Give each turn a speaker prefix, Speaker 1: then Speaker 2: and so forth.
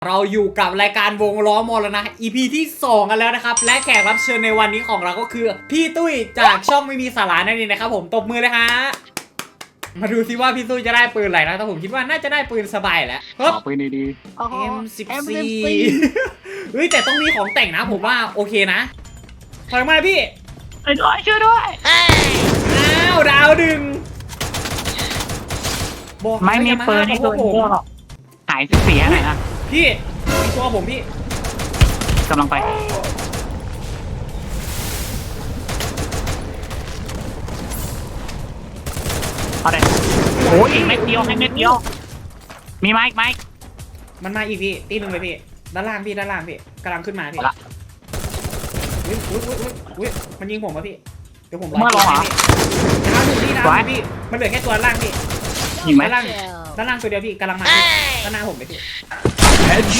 Speaker 1: เราอยู่กับรายการวงล้อมรณะ EP ที่2กันแล้วนะครับและแขกรับเชิญในวันนี้ของเราก็คือพี่ตุ้ยจากช่องไม่มีสาระนั่นเองนะครับผมตบมือเลยฮะมาดูซิว่าพี่ตุ้ยจะได้ปืนอะไรนะแต่ผมคิดว่าน่าจะได้ปืนสบายแหละ
Speaker 2: ขอปืนดี
Speaker 1: M14 เฮ้ยแต่ต้องมีของแต่งนะผมว่าโอเคนะถอยมาพี่
Speaker 2: ช่วยด้วย
Speaker 1: อ้าวดาวดึงบอก
Speaker 2: ไม่มีปืนที่ตัวผมหายเสียหน่อยนะ
Speaker 1: พี่มีตัวผมพี่
Speaker 2: กำลังไปเอาเลยโอ้ยอีกเม็ดเดียวให้เม็ดเดียวมีไหม
Speaker 1: มันมาอีกพี่ตีหนึ่งเลยพี่ด้านล่างพี่กำลังขึ้นมาพี่อุ้ยมันยิงผมป่ะพี่เดี๋ยวผมรอพี่ดาวหนึ่งพี่มันเหลือแค่ตัวล่างพี่
Speaker 2: ยิงไหม
Speaker 1: ด้านล่างตัวเดียวพี่กำลังมาด้านหน้าผมไปพี่